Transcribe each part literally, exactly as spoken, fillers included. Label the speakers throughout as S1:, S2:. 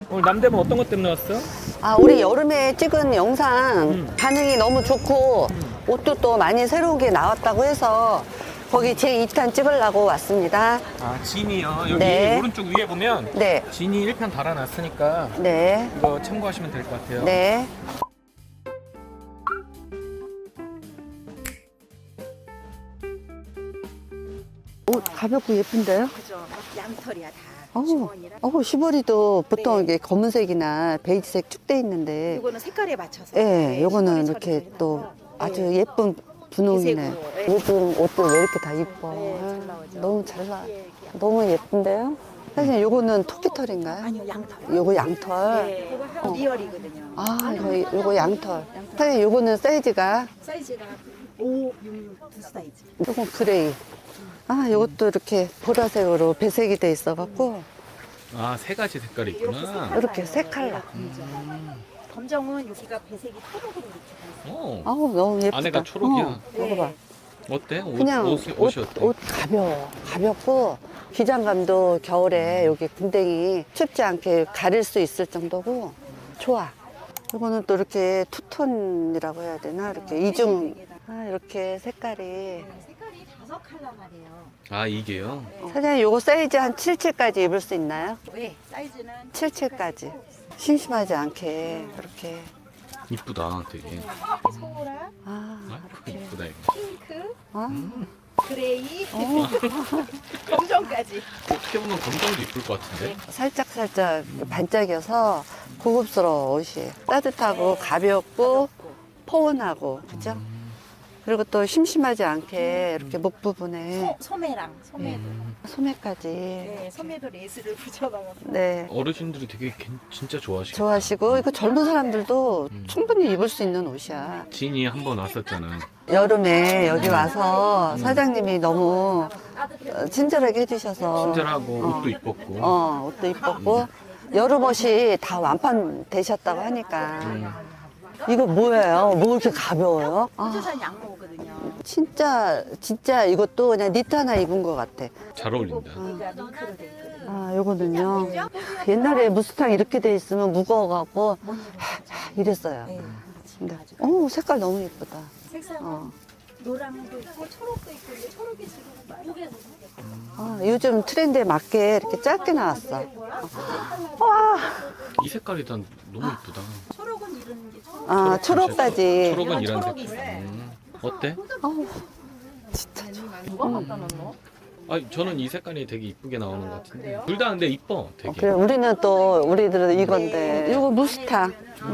S1: 오늘 남대문 어떤 것 때문에 왔어?
S2: 아, 우리 여름에 찍은 영상
S1: 음.
S2: 반응이 너무 좋고 옷도 또 많이 새로운 게 나왔다고 해서 거기 제이 탄 찍으려고 왔습니다.
S1: 아, 진이요. 여기
S2: 네.
S1: 오른쪽 위에 보면
S2: 네,
S1: 진이 일 편 달아놨으니까
S2: 네,
S1: 이거 참고하시면 될 것 같아요.
S2: 네. 옷 가볍고 예쁜데요?
S3: 그죠. 양털이야 다.
S2: 어우,
S3: 주머니랑.
S2: 어우, 시보리도 보통
S3: 네.
S2: 이게 검은색이나 베이지색 축 돼 있는데,
S3: 이거는 색깔에 맞춰서.
S2: 예,
S3: 네,
S2: 요거는
S3: 시골에
S2: 이렇게
S3: 처리도
S2: 또
S3: 해놔서.
S2: 아주
S3: 네.
S2: 예쁜 분홍이네.
S3: 이색으로, 네.
S2: 요즘 옷들 왜 이렇게 다 이뻐?
S3: 네, 잘
S2: 아유,
S3: 나오죠.
S2: 너무 잘 나.
S3: 예, 예.
S2: 너무 예쁜데요? 사실 요거는 토끼털인가요?
S3: 아니요, 양털.
S2: 요거 양털.
S3: 네, 이거 리얼이거든요.
S2: 아, 이거, 요거 양털. 사실 요거는 사이즈가
S3: 사이즈가 오, 육, 육 두 사이즈.
S2: 조금 그레이. 아, 요것도 이렇게 보라색으로 배색이 돼 있어갖고
S1: 아, 세 가지 색깔이 있구나.
S2: 이렇게 세 컬러.
S3: 검정은 여기가 배색이 초록으로 이렇게 돼 있어요.
S1: 오,
S2: 아우, 너무 예쁘다.
S1: 안에가 초록이야.
S2: 어, 먹어봐.
S1: 어때? 옷,
S2: 그냥
S1: 옷,
S2: 옷,
S1: 옷이 어때?
S2: 옷 가벼워. 가볍고 기장감도 겨울에 여기 군댕이 춥지 않게 가릴 수 있을 정도고 좋아. 이거는 또 이렇게 투톤이라고 해야 되나? 이렇게 이중. 아, 이렇게 색깔이.
S3: 색깔이 다섯 컬러만이에요.
S1: 아, 이게요?
S2: 사장님, 요거 사이즈 한 칠십칠까지 입을 수 있나요?
S3: 네, 사이즈는
S2: 칠십칠까지. 심심하지 않게 그렇게.
S1: 이쁘다, 되게.
S3: 소라,
S2: 아,
S1: 아,
S2: 이렇게.
S1: 이쁘다, 이거.
S3: 핑크,
S2: 아,
S3: 그레이,
S2: 어.
S3: 검정까지.
S1: 어떻게 보면 검정도 이쁠 것 같은데?
S2: 살짝 살짝 반짝여서 고급스러워 옷이. 따뜻하고 가볍고 포근하고 그죠? 그리고 또 심심하지 않게 이렇게 목 부분에
S3: 소, 소매랑 소매도.
S1: 음,
S2: 소매까지.
S3: 네, 소매도 레이스를 붙여넣어서.
S2: 네.
S1: 어르신들이 되게 괜- 진짜 좋아하시겠다.
S2: 좋아하시고 이거 젊은 사람들도
S1: 음.
S2: 충분히 입을 수 있는 옷이야.
S1: 진이 한 번 왔었잖아.
S2: 여름에 여기 와서 사장님이 너무 어, 친절하게 해주셔서
S1: 친절하고
S2: 어.
S1: 옷도 이뻤고.
S2: 어, 옷도 이뻤고 여름 옷이 다 완판되셨다고 하니까 이거 뭐예요? 뭐 이렇게 가벼워요? 아,
S3: 호주산 양모거든요.
S2: 진짜 진짜 이것도 그냥 니트 하나 입은 것 같아.
S1: 잘 어울린다.
S3: 여기가 밍크로 돼 있거든요.
S2: 아, 요거는요. 옛날에 무스탕 이렇게 돼 있으면 무거워갖고 하, 이랬어요.
S3: 네.
S2: 근데 어 색깔 너무 예쁘다.
S3: 색상은
S2: 어.
S3: 노랑도 있고 초록도 있고 근데 초록이 지금 많이
S2: 아, 요즘 트렌드에 맞게 이렇게 짧게 나왔어. 와,
S1: 이 색깔이 난 너무 이쁘다.
S3: 초록은 이런 게 초록.
S2: 아 초록까지.
S1: 초록은
S3: 이런
S1: 이런
S3: 초록이
S1: 색깔.
S3: 있어요.
S1: 음, 어때?
S2: 어우, 진짜 좋아.
S3: 누가 갖다 놨노?
S1: 아, 저는 이 색깔이 되게 이쁘게 나오는 것 같은데. 둘 다 근데 이뻐,
S2: 어,
S1: 되게.
S2: 그래, 우리는 또 우리들은 이건데 이거 무스탕,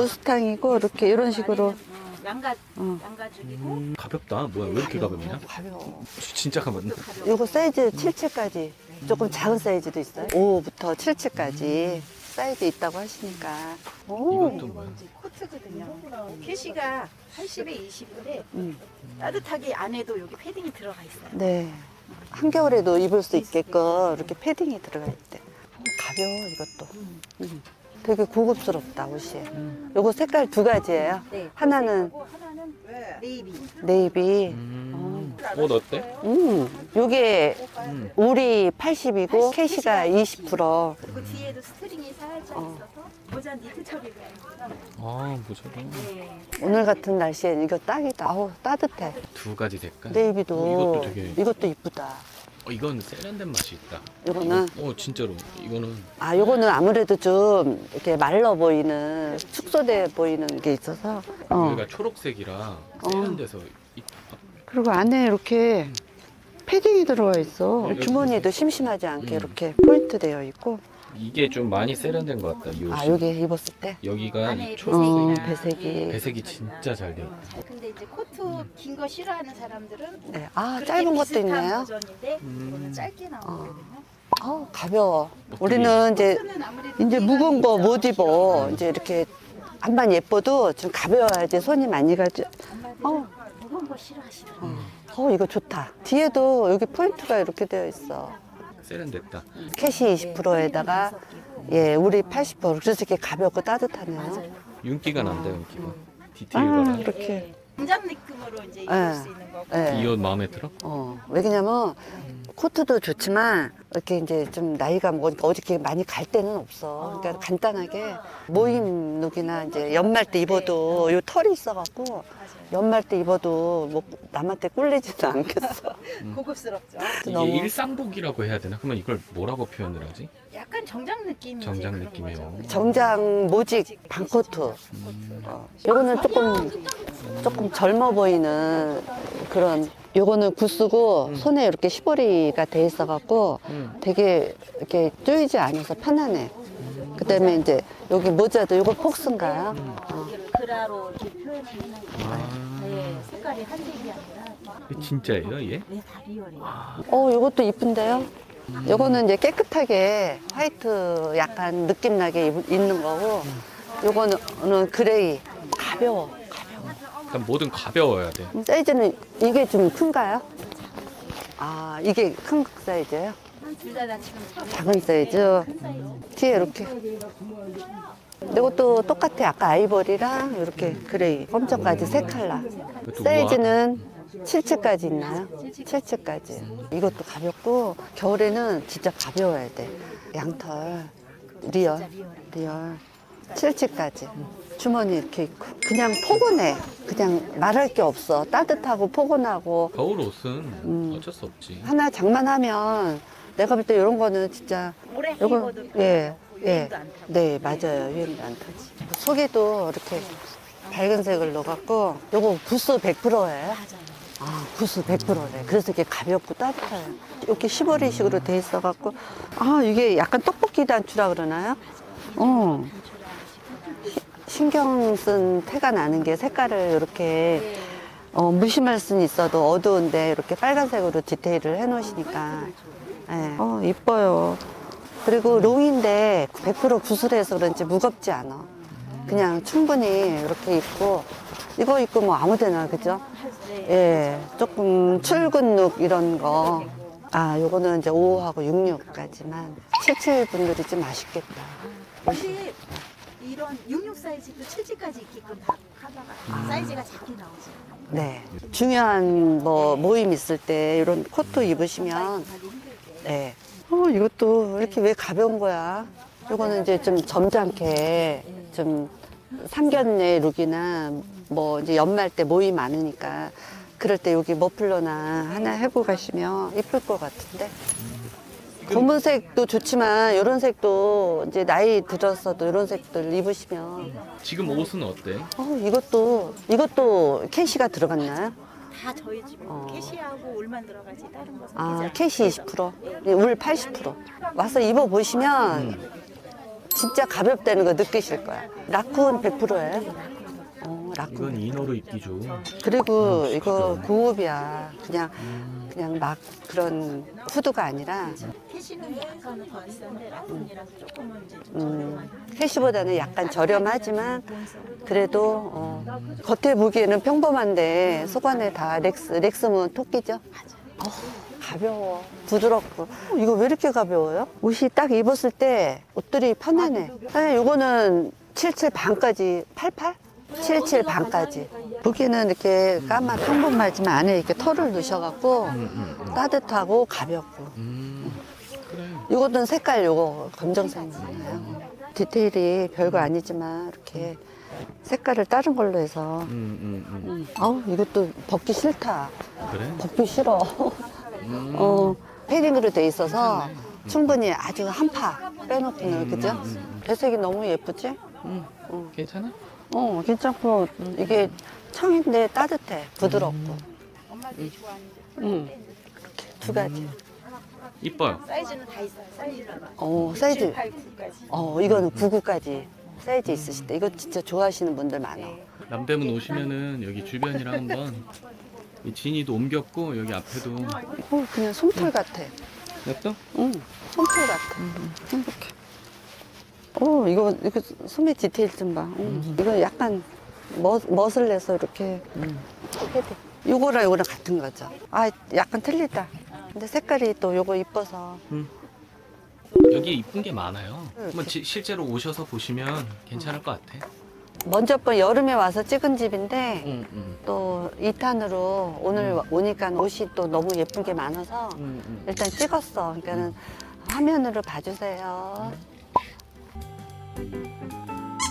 S2: 무스탕이고 이렇게 이런 식으로.
S3: 양가
S2: 어.
S3: 양가죽이고
S1: 음, 가볍다. 뭐야, 왜 이렇게 가볍냐?
S2: 가벼워.
S1: 진짜 가볍네.
S2: 이거 사이즈 칠십칠까지 조금 작은 사이즈도 있어요. 오부터 칠십칠까지 사이즈 있다고 하시니까. 오,
S1: 이건 또 뭐야?
S3: 이제 코트거든요. 캐시가 팔십에 이십인데
S2: 음,
S3: 따뜻하게 안에도 여기 패딩이 들어가 있어요.
S2: 네. 한겨울에도 입을 수 있게끔 이렇게 패딩이 들어가 있대. 가벼워 이것도. 음. 되게 고급스럽다 옷이. 요거 색깔 두 가지예요.
S3: 네.
S2: 하나는
S3: 그리고 하나는 네이비.
S2: 네이비.
S1: 음, 옷 어때?
S2: 음, 요게
S1: 음.
S2: 울이 팔십이고 캐시가 이십 퍼센트.
S3: 그리고 뒤에도 스트링이 살짝
S2: 어.
S3: 있어서 모자 니트 처리를 해요.
S1: 아, 모자도.
S3: 네.
S2: 오늘 같은 날씨엔 이거 딱이다. 아우 따뜻해.
S1: 두 가지 색깔.
S2: 네이비도
S1: 이것도 되게.
S2: 이것도 이쁘다.
S1: 어, 이건 세련된 맛이 있다.
S2: 요거는
S1: 어, 진짜로. 이거는.
S2: 아 요거는 아무래도 좀 이렇게 말라 보이는 축소돼 보이는 게 있어서. 어.
S1: 여기가 초록색이라 세련돼서 이쁘다.
S2: 그리고 안에 이렇게 패딩이 들어가 있어.
S1: 여기
S2: 주머니도 심심하지 않게
S1: 음.
S2: 이렇게 포인트 되어 있고.
S1: 이게 좀 많이 세련된 것 같다, 이 옷이.
S2: 아 여기 입었을 때.
S1: 여기가
S3: 안에
S1: 이
S2: 어,
S1: 초록색이.
S2: 배색이.
S1: 배색이 진짜 잘 돼. 있다.
S3: 근데 이제 코트 긴 거 싫어하는 사람들은
S2: 네. 아
S3: 그렇게
S2: 짧은 것도
S3: 비슷한
S2: 있네요.
S3: 버전인데
S1: 음.
S3: 이거는 짧게 나오거든요.
S2: 어 가벼워.
S1: 어떻게
S2: 우리는 이제
S3: 코트는 아무래도
S2: 이제
S3: 무게감이
S2: 무거운 거
S3: 있죠.
S2: 못 입어. 이제 이렇게 안만 예뻐도 좀 가벼워야지 손이 많이 가지.
S3: 엄마들은
S2: 어.
S3: 무거운 거 싫어하시더라고요.
S2: 어 이거 좋다. 뒤에도 여기 포인트가 이렇게 되어 있어.
S1: 세련됐다.
S2: 캐시 이십 퍼센트에다가 예 우리 팔십 퍼센트. 그래서 이렇게 가볍고 따뜻하네요.
S1: 윤기가 난다, 윤기가.
S2: 아
S1: 디테일가.
S2: 이렇게.
S3: 공장 느낌으로 이제
S2: 네.
S3: 입을 수 있는 거고.
S2: 예.
S1: 이 옷 마음에 들어?
S2: 어 왜냐면 코트도 좋지만 이렇게 이제 좀 나이가 먹으니까 어디 이렇게 많이 갈 데는 없어. 그러니까 간단하게 모임 룩이나 이제 연말 때 입어도 요 털이 있어갖고 연말 때 입어도 뭐 남한테 꿀리지는 않겠어.
S3: 고급스럽죠.
S1: 이게
S2: 너무-
S1: 일상복이라고 해야 되나? 그러면 이걸 뭐라고 표현을 하지?
S3: 약간 정장 느낌.
S1: 정장 느낌이에요.
S2: 정장 모직 반코트. 어, 요거는 조금 조금 젊어 보이는 그런. 요거는 구스고 손에 이렇게 시보리가 돼 있어갖고
S1: 음.
S2: 되게 이렇게 쪼이지 않아서 편하네. 그다음에 이제 여기 모자도 요거 폭스인가요? 어.
S3: 그라로 이렇게 표현을 해놓은 거.
S1: 아.
S3: 네, 색깔이 한색이 아니라
S1: 이게 진짜예요, 얘?
S3: 네, 다 리얼이에요.
S2: 어, 요것도 이쁜데요? 요거는 이제 깨끗하게 화이트 약간 느낌 나게 입- 입는 거고, 요거는 그레이. 가벼워.
S1: 일단 뭐든 가벼워야 돼.
S2: 사이즈는 이게 좀 큰가요? 아, 이게 큰 사이즈예요?
S3: 둘 다 다 지금 작은
S2: 작은 사이즈. 뒤에 이렇게. 이것도 똑같아. 아까 아이보리랑 이렇게 그레이. 검정까지 세 컬러.
S1: 이것도
S2: 사이즈는 칠칠까지 있나요? 칠칠까지. 이것도 가볍고 겨울에는 진짜 가벼워야 돼. 양털 리얼 리얼 칠칠까지. 주머니 이렇게 있고 그냥 포근해. 그냥 말할 게 없어. 따뜻하고 포근하고
S1: 겨울 옷은 어쩔 수 없지.
S2: 하나 장만하면 내가 볼 때 이런 거는 진짜
S3: 오래
S2: 요거
S3: 입어도
S2: 예. 예.
S3: 유행도 안 타고.
S2: 네, 맞아요. 유행도 안 타지. 속에도 이렇게 밝은 색을 넣어갖고 요거 부스 백 퍼센트예요?
S3: 맞아요.
S2: 아, 부스 백 퍼센트래. 그래서 이게 가볍고 따뜻해요. 이렇게 시보리식으로 돼 있어갖고, 아, 이게 약간 떡볶이 단추라 그러나요? 어. 시- 신경 쓴 태가 나는 게 색깔을 이렇게 어, 무심할 수는 있어도 어두운데 이렇게 빨간색으로 디테일을 해 놓으시니까. 예. 어, 이뻐요. 그리고 롱인데 백 퍼센트 구슬해서 그런지 무겁지 않아. 그냥 충분히 이렇게 입고, 이거 입고 뭐 아무 데나, 그죠? 예, 조금 출근 룩 이런 거. 아, 요거는 이제 오하고 육십육까지만. 칠칠 분들이 좀 아쉽겠다.
S3: 근데 이런 육십육 사이즈도 칠칠까지 입게끔 다 하다가 사이즈가 작게 나오지.
S2: 네. 중요한 뭐 모임 있을 때 이런 코트 입으시면,
S3: 가기 힘들게.
S2: 네. 어, 이것도 이렇게 왜 가벼운 거야? 요거는 이제 좀 점잖게 좀 상견례 룩이나 뭐 이제 연말 때 모임 많으니까 그럴 때 여기 머플러나 하나 해고 가시면 이쁠 것 같은데. 검은색도 좋지만 이런 색도 이제 나이 들었어도 이런 색들 입으시면
S1: 지금 옷은 어때?
S2: 어, 이것도 이것도 캐시가 들어갔나요?
S3: 다 저희 집에
S2: 어.
S3: 캐시하고 울만 들어가지 다른 거
S2: 아,
S3: 섞이지
S2: 캐시 이십 퍼센트, 울 팔십 퍼센트. 와서 입어보시면 진짜 가볍다는 거 느끼실 거야. 라쿤 백 퍼센트예요. 어, 라쿤.
S1: 이건 이너로 입기 좋은.
S2: 그리고 이거 고급이야. 그냥, 그냥 막 그런 후드가 아니라,
S3: 캐시는 약간은 더 비싼데 라쿤이라서 조금은 이제 좀
S2: 음, 캐시보다는 약간 저렴하지만, 그래도, 어, 겉에 보기에는 평범한데, 속안에 다 렉스, 렉스면 토끼죠? 어, 가벼워. 부드럽고. 어, 이거 왜 이렇게 가벼워요? 옷이 딱 입었을 때 옷들이 편하네. 사실 이거는 칠칠 반까지, 팔팔? 칠칠 반까지. 보기에는 이렇게 까만 평범하지만 안에 이렇게 털을 넣으셔갖고 따뜻하고 가볍고.
S1: 음, 그래.
S2: 이것도 색깔 요거 검정색이잖아요. 디테일이 별거 아니지만 이렇게 색깔을 다른 걸로 해서.
S1: 음, 음, 음.
S2: 아우, 이것도 벗기 싫다.
S1: 그래?
S2: 벗기 싫어.
S1: 음.
S2: 어, 패딩으로 돼 있어서 충분히 아주 한파 빼놓고는, 그죠? 배색이 너무 예쁘지?
S1: 음. 괜찮아?
S2: 어, 괜찮고, 이게 청인데 따뜻해, 부드럽고.
S3: 엄마들이 좋아하는
S2: 응. 이렇게 두 가지.
S1: 이뻐요.
S3: 사이즈는 다 있어요. 사이즈는
S2: 어, 사이즈.
S3: 칠, 팔, 구까지.
S2: 어, 이거는 구구까지 사이즈 있으실 때. 이거 진짜 좋아하시는 분들 많아.
S1: 남대문 오시면은 여기 주변이랑 한번 이 진이도 옮겼고 여기 앞에도
S2: 어, 그냥 솜털 같아.
S1: 냅둬?
S2: 응, 솜털 같아. 행복해. 어, 이거, 이거 소매 디테일 좀 봐. 응. 이거 약간 멋, 멋을 내서 이렇게 헤드. 요거랑 요거랑 같은 거죠. 아, 약간 틀리다. 근데 색깔이 또 요거 이뻐서.
S1: 여기 이쁜 게 많아요. 한번 지- 실제로 오셔서 보시면 괜찮을 것 같아.
S2: 먼저 번 여름에 와서 찍은 집인데
S1: 음, 음.
S2: 또 이 탄으로 오늘 오니까 옷이 또 너무 예쁜 게 많아서
S1: 음, 음.
S2: 일단 찍었어. 그러니까는 화면으로 봐주세요.